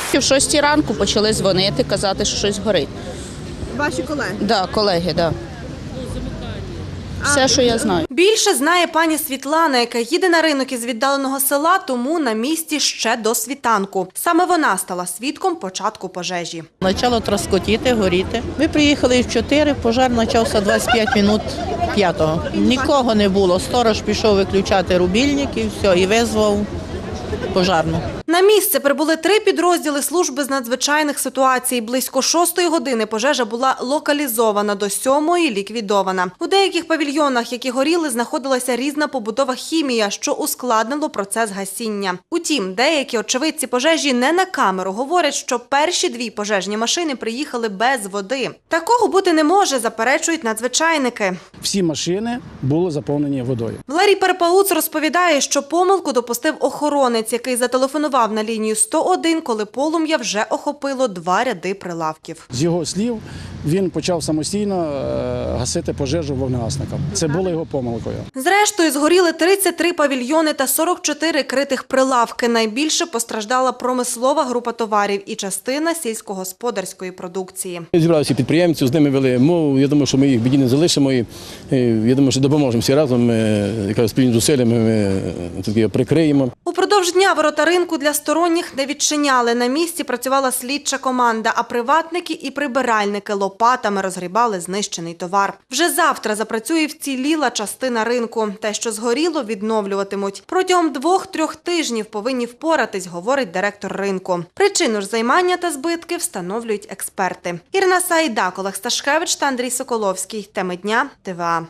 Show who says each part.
Speaker 1: В 6 ранку почали дзвонити, казати, що щось горить.
Speaker 2: Ваші колеги?
Speaker 1: Так, колеги, так. Все, що я знаю.
Speaker 2: Більше знає пані Світлана, яка їде на ринок із віддаленого села, тому на місці ще до світанку. Саме вона стала свідком початку пожежі.
Speaker 3: Почало троскотіти, горіти. Ми приїхали в 4, пожар почався 25 минут 5-го. Нікого не було. Сторож пішов виключати рубільник і все, і визвав пожарну.
Speaker 2: На місце прибули 3 підрозділи служби з надзвичайних ситуацій. Близько 6-ї години пожежа була локалізована, до 7-ї – ліквідована. У деяких павільйонах, які горіли, знаходилася різна побутова хімія, що ускладнило процес гасіння. Утім, деякі очевидці пожежі не на камеру говорять, що перші 2 пожежні машини приїхали без води. Такого бути не може, заперечують надзвичайники.
Speaker 4: Всі машини були заповнені водою.
Speaker 2: Валерій Перепауц розповідає, що помилку допустив охоронець, який зателефонував на лінію 101, коли полум'я вже охопило 2 ряди прилавків.
Speaker 4: З його слів, він почав самостійно гасити пожежу вогнегасником. Це було його помилкою.
Speaker 2: Зрештою, згоріли 33 павільйони та 44 критих прилавки. Найбільше постраждала промислова група товарів і частина сільськогосподарської продукції.
Speaker 5: Зібралися підприємці, з ними вели мову. Я думаю, що ми їх в біді не залишимо. І я думаю, що допоможемо всі разом. Спільними зусиллями ми таки прикриємо.
Speaker 2: Упродовж дня ворота ринку для сторонніх не відчиняли. На місці працювала слідча команда, а приватники і прибиральники лопатами розгрібали знищений товар. Вже завтра запрацює вціліла частина ринку. Те, що згоріло, відновлюватимуть. Протягом 2-3 тижнів повинні впоратись, говорить директор ринку. Причину ж займання та збитки встановлюють експерти. Ірина Сайдак, Олег Сташкевич та Андрій Соколовський. Теми дня ТВА.